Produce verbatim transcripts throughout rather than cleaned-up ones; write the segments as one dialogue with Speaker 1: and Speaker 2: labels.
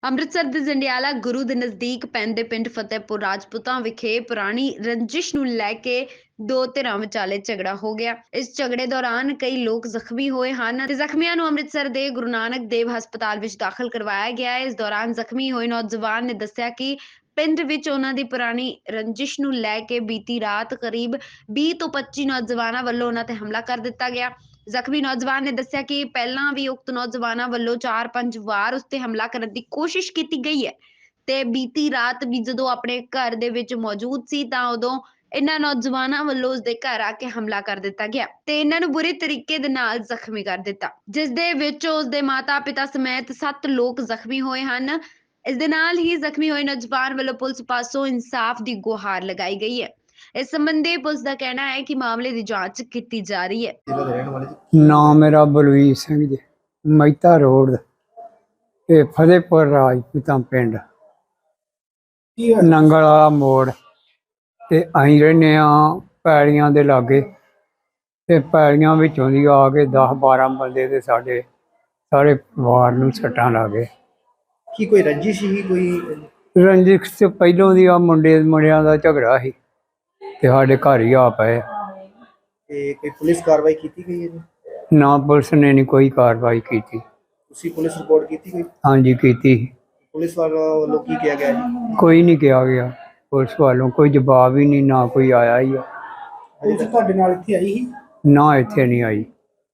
Speaker 1: ਅੰਮ੍ਰਿਤਸਰ ਦੇ ਜੰਡਿਆਲਾ ਗੁਰੂ ਦੇ ਨਜ਼ਦੀਕ ਪੈਂਦੇ ਪਿੰਡ ਫਤਿਹਪੁਰ ਰਾਜਪੂਤਾਂ ਵਿਖੇ ਪੁਰਾਣੀ ਰੰਜਿਸ਼ ਨੂੰ ਲੈ ਕੇ ਦੋ ਧਿਰਾਂ ਵਿਚਾਲੇ ਝਗੜਾ ਹੋ ਗਿਆ। ਇਸ ਝਗੜੇ ਦੌਰਾਨ ਕਈ ਲੋਕ ਜ਼ਖਮੀ ਹੋਏ ਹਨ ਤੇ ਜ਼ਖਮੀਆਂ ਨੂੰ ਅੰਮ੍ਰਿਤਸਰ ਦੇ ਗੁਰੂ ਨਾਨਕ ਦੇਵ ਹਸਪਤਾਲ ਵਿੱਚ ਦਾਖਲ ਕਰਵਾਇਆ ਗਿਆ ਹੈ। ਇਸ ਦੌਰਾਨ ਜ਼ਖਮੀ ਹੋਏ ਨੌਜਵਾਨ ਨੇ ਦੱਸਿਆ ਕਿ ਪਿੰਡ ਵਿੱਚ ਉਹਨਾਂ ਦੀ ਪੁਰਾਣੀ ਰੰਜਿਸ਼ ਨੂੰ ਲੈ ਕੇ ਬੀਤੀ ਰਾਤ ਕਰੀਬ ਵੀਹ ਤੋਂ ਪੱਚੀ ਨੌਜਵਾਨਾਂ ਵੱਲੋਂ ਉਹਨਾਂ ਤੇ ਹਮਲਾ ਕਰ ਦਿੱਤਾ ਗਿਆ। ਜ਼ਖਮੀ ਨੌਜਵਾਨ ਨੇ ਦੱਸਿਆ ਕਿ ਪਹਿਲਾਂ ਵੀ ਉਕਤ ਨੌਜਵਾਨਾਂ ਵੱਲੋਂ ਚਾਰ ਪੰਜ ਵਾਰ ਉਸ ਤੇ ਹਮਲਾ ਕਰਨ ਦੀ ਕੋਸ਼ਿਸ਼ ਕੀਤੀ ਗਈ ਹੈ ਤੇ ਬੀਤੀ ਰਾਤ ਵੀ ਜਦੋਂ ਆਪਣੇ ਘਰ ਦੇ ਵਿੱਚ ਮੌਜੂਦ ਸੀ ਤਾਂ ਉਦੋਂ ਇਹਨਾਂ ਨੌਜਵਾਨਾਂ ਵੱਲੋਂ ਉਸ ਦੇ ਘਰ ਆ ਕੇ ਹਮਲਾ ਕਰ ਦਿੱਤਾ ਗਿਆ ਤੇ ਇਹਨਾਂ ਨੂੰ ਬੁਰੇ ਤਰੀਕੇ ਦੇ ਨਾਲ ਜ਼ਖਮੀ ਕਰ ਦਿੱਤਾ, ਜਿਸ ਦੇ ਵਿੱਚ ਉਸ ਦੇ ਮਾਤਾ-ਪਿਤਾ ਸਮੇਤ ਸੱਤ ਲੋਕ ਜ਼ਖਮੀ ਹੋਏ ਹਨ। ਇਸ ਦੇ ਨਾਲ ਹੀ ਜ਼ਖਮੀ ਹੋਏ ਨੌਜਵਾਨ ਵੱਲੋਂ ਪੁਲਿਸ ਪਾਸੋਂ ਇਨਸਾਫ ਦੀ ਗੁਹਾਰ ਲਗਾਈ ਗਈ ਹੈ। ਇਸ ਸੰਬੰਧੀ ਪੁਲਿਸ ਦਾ ਕਹਿਣਾ ਹੈ ਕਿ ਮਾਮਲੇ ਦੀ ਜਾਂਚ ਕੀਤੀ ਜਾ ਰਹੀ ਹੈ।
Speaker 2: ਨਾਮ ਮੇਰਾ ਬਲਵੀਰ ਸਿੰਘ ਜੀ, ਮਹਿਤਾ ਰੋਡ ਤੇ ਫਤਿਹਪੁਰ ਰਾਜਪੂਤਾਂ ਪਿੰਡ ਨੰਗਲ ਵਾਲਾ ਮੋੜ ਤੇ ਅਸੀਂ ਰਹਿੰਦੇ ਹਾਂ ਪੈੜੀਆਂ ਦੇ ਲਾਗੇ ਤੇ ਪੈੜੀਆਂ ਵਿੱਚੋਂ ਦੀ ਆ ਕੇ ਦਸ ਬਾਰਾਂ ਬੰਦੇ ਤੇ ਸਾਡੇ ਸਾਰੇ ਪਰਿਵਾਰ ਨੂੰ ਸੱਟਾਂ ਲੱਗ ਗਏ।
Speaker 3: ਕੀ ਕੋਈ ਰੰਜਿਸ਼ ਸੀ? ਕੋਈ
Speaker 2: ਰੰਜਿਸ਼ ਤੇ ਪਹਿਲੋਂ ਦੀ ਆ ਮੁੰਡੇ ਮੁੰਡਿਆਂ ਦਾ ਝਗੜਾ ਸੀ ਤੇ ਸਾਡੇ ਘਰ ਹੀ ਆ ਪਏ।
Speaker 3: ਤੇ ਕੋਈ ਪੁਲਿਸ ਕਾਰਵਾਈ ਕੀਤੀ ਗਈ ਹੈ ਜੀ?
Speaker 2: ਨਾ ਪੁਲਿਸ ਨੇ ਨਹੀਂ ਕੋਈ ਕਾਰਵਾਈ ਕੀਤੀ।
Speaker 3: ਤੁਸੀਂ ਪੁਲਿਸ ਰਿਪੋਰਟ ਕੀਤੀ ਕੋਈ?
Speaker 2: ਹਾਂਜੀ ਕੀਤੀ।
Speaker 3: ਪੁਲਿਸ ਵਾਲਿਆਂ ਵੱਲੋਂ ਕੀ ਕਿਹਾ ਗਿਆ ਜੀ?
Speaker 2: ਕੋਈ ਨਹੀਂ ਕਿਹਾ ਗਿਆ ਪੁਲਿਸ ਵਾਲੋਂ, ਕੋਈ ਜਵਾਬ ਹੀ ਨਹੀਂ, ਨਾ ਕੋਈ ਆਇਆ ਹੀ ਆ।
Speaker 3: ਪੁਲਿਸ ਤੁਹਾਡੇ ਨਾਲ ਇੱਥੇ ਆਈ ਸੀ?
Speaker 2: ਨਾ ਇੱਥੇ ਨਹੀਂ ਆਈ।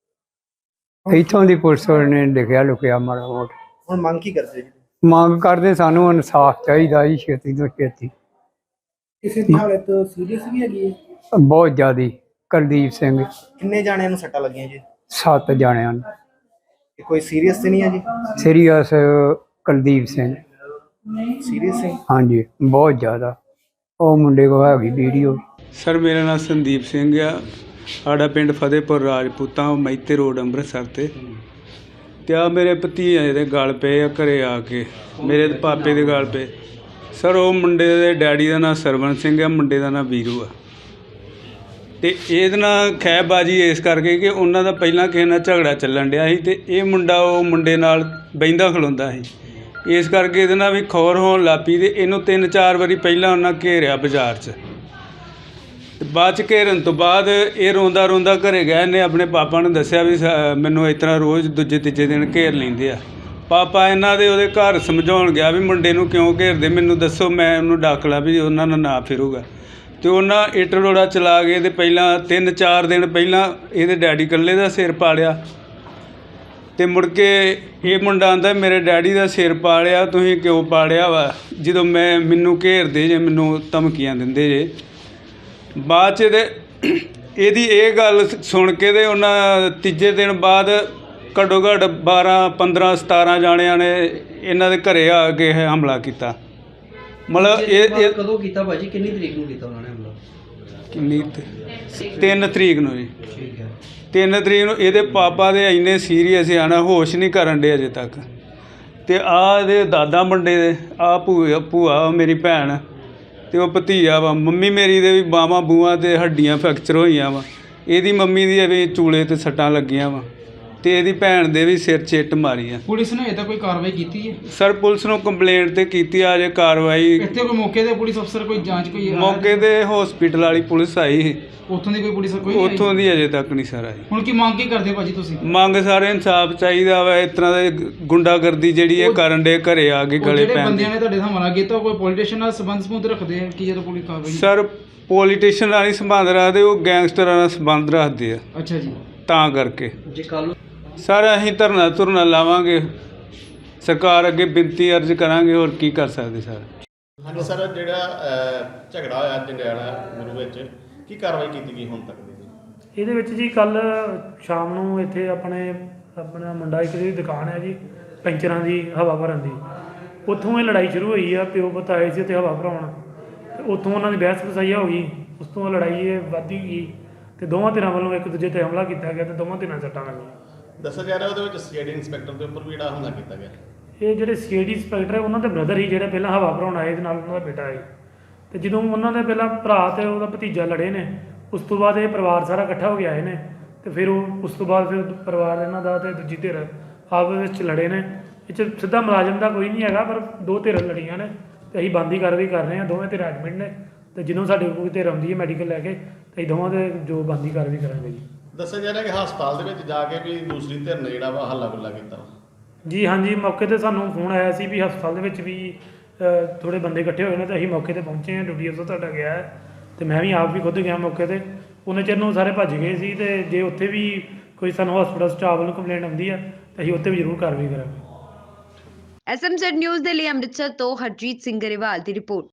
Speaker 2: ਇੱਥੋਂ ਦੀ ਪੁਲਿਸ ਨੇ ਲਿਖਿਆ ਲੁਕਿਆ ਮਾੜਾ ਮੋਟਾ।
Speaker 3: ਹੁਣ ਮੰਗ ਕੀ ਕਰਦੇ ਜੀ?
Speaker 2: ਮੰਗ ਕਰਦੇ ਸਾਨੂੰ ਇਨਸਾਫ ਚਾਹੀਦਾ ਜੀ, ਛੇਤੀ ਤੋਂ ਛੇਤੀ।
Speaker 3: ਕਿਸੇ ਦੀ ਹਾਲਤ ਸੀਰੀਅਸ ਵੀ ਹੈਗੀ ਹੈ?
Speaker 2: ਬਹੁਤ ਜ਼ਿਆਦੀ। ਕੁਲਦੀਪ ਸਿੰਘ।
Speaker 3: ਕਿੰਨੇ ਜਾਣਿਆਂ ਨੂੰ ਸੱਟਾਂ ਲੱਗੀਆਂ ਜੀ?
Speaker 2: ਸੱਤ ਜਾਣਿਆਂ ਨੂੰ।
Speaker 3: ਤੇ ਕੋਈ ਸੀਰੀਅਸ ਤੇ ਨਹੀਂ ਹੈ ਜੀ?
Speaker 2: ਸੀਰੀਅਸ ਕੁਲਦੀਪ ਸਿੰਘ।
Speaker 3: ਸੀਰੀਅਸ ਹੈ?
Speaker 2: ਹਾਂਜੀ ਬਹੁਤ ਜ਼ਿਆਦਾ। ਉਹ ਮੁੰਡੇ ਕੋਲ ਹੈਗੀ ਵੀਡੀਓ।
Speaker 4: ਸਰ ਮੇਰਾ ਨਾਮ ਸੰਦੀਪ ਸਿੰਘ ਆ। ਸਾਡਾ ਪਿੰਡ ਫਤਿਹਪੁਰ ਰਾਜਪੂਤਾਂ ਮਹਿਤੇ ਰੋਡ ਅੰਮ੍ਰਿਤਸਰ ਤੇ ਤੇ ਆ ਮੇਰੇ ਭਤੀਜੇ ਦੇ ਗਲ ਪਏ ਆ ਘਰੇ ਆ ਕੇ, ਮੇਰੇ ਪਾਪੇ ਦੇ ਗਲ ਪਏ। ਸਰ ਉਹ ਮੁੰਡੇ ਦੇ ਡੈਡੀ ਦਾ ਨਾਂ ਸਰਵਣ ਸਿੰਘ ਆ, ਮੁੰਡੇ ਦਾ ਨਾਂ ਵੀਰੂ ਆ। ਤੇ ਇਹਦੇ ਨਾਲ ਖਹਿਬਾਜੀ ਇਸ ਕਰਕੇ ਕਿ ਉਹਨਾਂ ਦਾ ਪਹਿਲਾਂ ਕਿਸੇ ਨਾਲ ਝਗੜਾ ਚੱਲਣ ਡਿਆ ਸੀ ਤੇ ਇਹ ਮੁੰਡਾ ਉਹ ਮੁੰਡੇ ਨਾਲ ਬਹਿੰਦਾ ਖਲੋਂਦਾ ਸੀ, ਇਸ ਕਰਕੇ ਇਹਦੇ ਨਾਲ ਵੀ ਖੌਰ ਹੋਣ ਲੱਗ ਪਈ ਤੇ ਇਹਨੂੰ ਤਿੰਨ ਚਾਰ ਵਾਰੀ ਪਹਿਲਾਂ ਉਹਨਾਂ ਘੇਰਿਆ ਬਾਜ਼ਾਰ 'ਚ। ਤੇ ਬਾਅਦ 'ਚ ਘੇਰਨ ਤੋਂ ਬਾਅਦ ਇਹ ਰੋਂਦਾ ਰੋਂਦਾ ਘਰੇ ਗਿਆ। ਇਹਨੇ ਆਪਣੇ ਪਾਪਾ ਨੂੰ ਦੱਸਿਆ ਵੀ ਮੈਨੂੰ ਇਸ ਤਰ੍ਹਾਂ ਰੋਜ਼ ਦੂਜੇ ਤੀਜੇ ਦਿਨ ਘੇਰ ਲੈਂਦੇ ਆ। ਪਾਪਾ ਇਹਨਾਂ ਦੇ ਉਹਦੇ ਘਰ ਸਮਝਾਉਣ ਗਿਆ ਵੀ ਮੁੰਡੇ ਨੂੰ ਕਿਉਂ ਘੇਰਦੇ, ਮੈਨੂੰ ਦੱਸੋ, ਮੈਂ ਉਹਨੂੰ ਡੱਕ ਲਾ ਵੀ ਉਹਨਾਂ ਨਾਲ ਨਾ ਫਿਰੂਗਾ। ਤੇ ਉਹਨਾਂ ਇੱਟ ਰੋੜਾ ਚਲਾ ਗਏ ਤੇ ਪਹਿਲਾਂ ਤਿੰਨ ਚਾਰ ਦਿਨ ਪਹਿਲਾਂ ਇਹਦੇ ਡੈਡੀ ਇਕੱਲੇ ਦਾ ਸਿਰ ਪਾੜਿਆ ਤੇ ਮੁੜ ਕੇ ਇਹ ਮੁੰਡਾ ਆਂਦਾ ਮੇਰੇ ਡੈਡੀ ਦਾ ਸਿਰ ਪਾੜਿਆ, ਤੁਸੀਂ ਕਿਉਂ ਪਾੜਿਆ ਵਾ, ਜਦੋਂ ਮੈਂ ਮੈਨੂੰ ਘੇਰਦੇ ਜੇ, ਮੈਨੂੰ ਧਮਕੀਆਂ ਦਿੰਦੇ ਜੇ। ਬਾਅਦ 'ਚ ਇਹਦੇ ਇਹਦੀ ਇਹ ਗੱਲ ਸੁਣ ਕੇ ਤੇ ਉਹਨਾਂ ਤੀਜੇ ਦਿਨ ਬਾਅਦ ਘੱਟੋ ਘੱਟ ਬਾਰਾਂ ਪੰਦਰਾਂ ਸਤਾਰਾਂ ਜਾਣਿਆਂ ਨੇ ਇਹਨਾਂ ਦੇ ਘਰੇ ਆ ਕੇ ਹਮਲਾ ਕੀਤਾ। ਮਤਲਬ ਇਹ ਇਹ
Speaker 3: ਕਦੋਂ ਕੀਤਾ ਭਾਜੀ? ਕਿੰਨੀ ਤਰੀਕ ਨੂੰ ਕੀਤਾ ਉਹਨਾਂ ਨੇ ਹਮਲਾ?
Speaker 4: ਕਿੰਨੀ ਤਿੰਨ ਤਰੀਕ ਨੂੰ ਜੀ।
Speaker 3: ਠੀਕ ਹੈ।
Speaker 4: ਤਿੰਨ ਤਰੀਕ ਨੂੰ ਇਹਦੇ ਪਾਪਾ ਦੇ ਇੰਨੇ ਸੀਰੀਅਸ ਆ ਨਾ, ਹੋਸ਼ ਨਹੀਂ ਕਰਨ ਡੇ ਅਜੇ ਤੱਕ। ਤੇ ਆਹ ਇਹਦੇ ਦਾਦਾ ਮੁੰਡੇ ਦੇ, ਆਹ ਭੂਆ ਭੂਆ ਮੇਰੀ ਭੈਣ ਤੇ ਉਹ ਭਤੀਜਾ ਵਾ। ਮੰਮੀ ਮੇਰੀ ਦੇ ਵੀ ਬਾਹਾਂ ਬੂਹਾਂ ਤੇ ਹੱਡੀਆਂ ਫ੍ਰੈਕਚਰ ਹੋਈਆਂ ਵਾ। ਇਹਦੀ ਮੰਮੀ ਦੀ ਵੀ ਚੂਲੇ ਤੇ ਸੱਟਾਂ ਲੱਗੀਆਂ ਵਾ ਤੇ ਇਹਦੀ ਭੈਣ ਦੇ ਵੀ ਸਿਰ 'ਚ ਇੱਟ ਮਾਰੀ ਆ।
Speaker 5: ਪੁਲਿਸ ਨੇ ਇਹਦਾ ਕੋਈ ਕਾਰਵਾਈ ਕੀਤੀ ਹੈ?
Speaker 4: ਸਰ ਪੁਲਿਸ ਨੂੰ ਕੰਪਲੇਂਟ ਤੇ ਕੀਤੀ ਆ, ਅਜੇ ਕਾਰਵਾਈ
Speaker 5: ਇੱਥੇ ਕੋਈ ਮੌਕੇ ਤੇ ਪੁਲਿਸ ਅਫਸਰ ਕੋਈ ਜਾਂਚ ਕੋਈ ਆਇਆ?
Speaker 4: ਮੌਕੇ ਤੇ ਹਸਪੀਟਲ ਵਾਲੀ ਪੁਲਿਸ ਆਈ ਸੀ,
Speaker 5: ਉੱਥੋਂ ਦੀ ਕੋਈ ਪੁਲਿਸ ਕੋਈ ਨਹੀਂ ਆਈ?
Speaker 4: ਉੱਥੋਂ ਦੀ ਅਜੇ ਤੱਕ ਨਹੀਂ ਸਰ ਆਈ।
Speaker 5: ਹੁਣ ਕੀ ਮੰਗ ਕੀ ਕਰਦੇ ਭਾਜੀ ਤੁਸੀਂ?
Speaker 4: ਮੰਗ ਸਾਰੇ ਇਨਸਾਫ ਚਾਹੀਦਾ ਵਾ। ਇਸ ਤਰ੍ਹਾਂ ਦੇ ਗੁੰਡਾਗਰਦੀ ਜਿਹੜੀ ਇਹ ਕਰਨ ਦੇ ਘਰੇ ਆ ਕੇ ਗਲੇ
Speaker 5: ਜਿਹੜੇ
Speaker 4: ਪੈਣ
Speaker 5: ਬੰਦਿਆਂ ਨੇ ਤੁਹਾਡੇ ਹਮਲਾ ਕੀਤਾ ਕੋਈ ਪੋਲੀਟੀਸ਼ੀਅਨ ਨਾਲ ਸੰਬੰਧ ਸੰਬੰਧ ਰੱਖਦੇ ਆ ਕਿ ਜਦੋਂ ਪੁਲਿਸ ਕਾਰਵਾਈ?
Speaker 4: ਸਰ ਪੋਲੀਟੀਸ਼ੀਅਨ ਨਾਲ ਨਹੀਂ ਸੰਬੰਧ ਰੱਖਦੇ, ਉਹ ਗੈਂਗਸਟਰਾਂ ਨਾਲ ਸੰਬੰਧ ਰੱਖਦੇ ਆ,
Speaker 5: ਅੱਛਾ ਜੀ।
Speaker 4: ਤਾਂ ਕਰਕੇ
Speaker 3: ਜੇ ਕੱਲ
Speaker 4: ਸਰ ਅਸੀਂ ਧਰਨਾ ਧੁਰਨਾ ਲਾਵਾਂਗੇ, ਸਰਕਾਰ ਅੱਗੇ ਬੇਨਤੀ ਅਰਜ਼ ਕਰਾਂਗੇ, ਹੋਰ ਕੀ ਕਰ ਸਕਦੇ ਸਰ।
Speaker 6: ਹਾਂਜੀ ਸਰ, ਜਿਹੜਾ ਝਗੜਾ ਹੋਇਆ ਜੰਡਿਆਲਾ ਗੁਰੂ ਵਿੱਚ, ਕੀ ਕਾਰਵਾਈ ਕੀਤੀ ਗਈ ਹੁਣ ਤੱਕ ਦੀ?
Speaker 7: ਇਹਦੇ ਵਿੱਚ ਜੀ ਕੱਲ ਸ਼ਾਮ ਨੂੰ ਇੱਥੇ ਆਪਣੇ ਆਪਣਾ ਮੁੰਡਾ ਇੱਕ ਦੀ ਦੁਕਾਨ ਹੈ ਜੀ ਪੈਂਚਰਾਂ ਦੀ, ਹਵਾ ਭਰਨ ਦੀ, ਉੱਥੋਂ ਇਹ ਲੜਾਈ ਸ਼ੁਰੂ ਹੋਈ ਆ। ਪਿਓ ਪੁੱਤ ਆਏ ਸੀ ਉੱਥੇ ਹਵਾ ਭਰਾਉਣ ਤੇ ਉੱਥੋਂ ਉਹਨਾਂ ਦੀ ਬਹਿਸ ਵਸਾਈਆ ਹੋ ਗਈ। ਉਸ ਤੋਂ ਲੜਾਈ ਇਹ ਵੱਧਦੀ ਗਈ ਤੇ ਦੋਵਾਂ ਧਿਰਾਂ ਵੱਲੋਂ ਇੱਕ ਦੂਜੇ 'ਤੇ ਹਮਲਾ ਕੀਤਾ ਗਿਆ ਤੇ ਦੋਵਾਂ ਧਿਰਾਂ ਸੱਟਾਂ ਲੱਗੀਆਂ।
Speaker 6: ਦੱਸਿਆ ਜਾ ਰਿਹਾ ਉਹਦੇ ਵਿੱਚ ਸੀਆਈਡੀ ਇੰਸਪੈਕਟਰ ਦੇ ਉੱਪਰ ਵੀ ਜਿਹੜਾ ਹਮਲਾ ਕੀਤਾ ਗਿਆ।
Speaker 7: ਇਹ ਜਿਹੜੇ ਸੀ ਆਈ ਡੀ ਇੰਸਪੈਕਟਰ ਹੈ ਉਹਨਾਂ ਦੇ ਬ੍ਰਦਰ ਹੀ ਜਿਹੜੇ ਪਹਿਲਾਂ ਹਵਾ ਭਰਾਉਣ ਆਏ, ਇਹਦੇ ਨਾਲ ਉਹਨਾਂ ਦਾ ਬੇਟਾ ਹੈ। ਤੇ ਜਦੋਂ ਉਹਨਾਂ ਦੇ ਪਹਿਲਾਂ ਭਰਾ ਤੇ ਉਹਦਾ ਭਤੀਜਾ ਲੜੇ ਨੇ, ਉਸ ਤੋਂ ਬਾਅਦ ਇਹ ਪਰਿਵਾਰ ਸਾਰਾ ਇਕੱਠਾ ਹੋ ਕੇ ਆਏ ਨੇ ਤੇ ਫਿਰ ਉਹ ਉਸ ਤੋਂ ਬਾਅਦ ਫਿਰ ਪਰਿਵਾਰ ਇਹਨਾਂ ਦਾ ਤੇ ਦੂਜੀ ਧਿਰ ਆਪਸ ਵਿੱਚ ਲੜੇ ਨੇ। ਇਹ 'ਚ ਸਿੱਧਾ ਮੁਲਾਜ਼ਮ ਦਾ ਕੋਈ ਨਹੀਂ ਹੈਗਾ, ਪਰ ਦੋ ਧਿਰ ਲੜੀਆਂ ਨੇ ਤੇ ਅਸੀਂ ਬੰਦੀ ਕਾਰਵਾਈ ਕਰ ਰਹੇ ਹਾਂ। ਦੋਵੇਂ ਧਿਰ ਐਡਮਿਟ ਨੇ ਤੇ ਜਿਹਨੂੰ ਸਾਡੇ ਕੋਲ ਧਿਰ ਆਉਂਦੀ ਹੈ ਮੈਡੀਕਲ ਲੈ ਕੇ ਤੇ ਅਸੀਂ ਦੋਵਾਂ ਦੇ ਜੋ ਬੰਦੀ ਕਾਰਵਾਈ ਕਰਾਂਗੇ ਜੀ।
Speaker 6: ਦੱਸਿਆ ਜਾ ਰਿਹਾ ਕਿ ਹਸਪਤਾਲ ਦੇ ਵਿੱਚ ਜਾ ਕੇ ਵੀ ਦੂਸਰੀ ਧਿਰ ਨੇ ਜਿਹੜਾ ਵਾ ਹੱਲਾ ਗੁੱਲਾ ਕੀਤਾ ਵਾ।
Speaker 7: ਜੀ ਹਾਂਜੀ, ਮੌਕੇ ਤੇ ਸਾਨੂੰ ਫੋਨ ਆਇਆ ਸੀ ਵੀ ਹਸਪਤਾਲ ਦੇ ਵਿੱਚ ਵੀ ਅ, ਥੋੜ੍ਹੇ ਬੰਦੇ ਇਕੱਠੇ ਹੋਏ ਨੇ ਤੇ ਅਸੀਂ ਮੌਕੇ ਤੇ ਪਹੁੰਚੇ ਹਾਂ। ਡਿਊਟੀ ਅਫਸਰ ਤੁਹਾਡਾ ਗਿਆ ਹੈ ਤੇ ਮੈਂ ਵੀ ਆਪ ਵੀ ਖੁਦ ਗਿਆ ਮੌਕੇ ਤੇ। ਉਹਨੇ ਚਿਰ ਨੂੰ ਸਾਰੇ ਭੱਜ ਗਏ ਸੀ ਤੇ ਜੇ ਉੱਥੇ ਵੀ ਕੋਈ ਸਾਨੂੰ ਹਸਪਤਾਲ ਸਟਾਫ ਵੱਲੋਂ ਕੰਪਲੇਂਟ ਆਉਂਦੀ ਹੈ ਤਾਂ ਅਸੀਂ ਉੱਥੇ ਵੀ ਜ਼ਰੂਰ ਕਾਰਵਾਈ ਕਰਾਂਗੇ।
Speaker 1: ਐਸ ਐਮ ਜ਼ੈਡ ਨਿਊਜ਼ ਦੇ ਲਈ ਅੰਮ੍ਰਿਤਸਰ ਤੋਂ ਹਰਜੀਤ ਸਿੰਘ ਗਰੇਵਾਲ ਦੀ ਰਿਪੋਰਟ।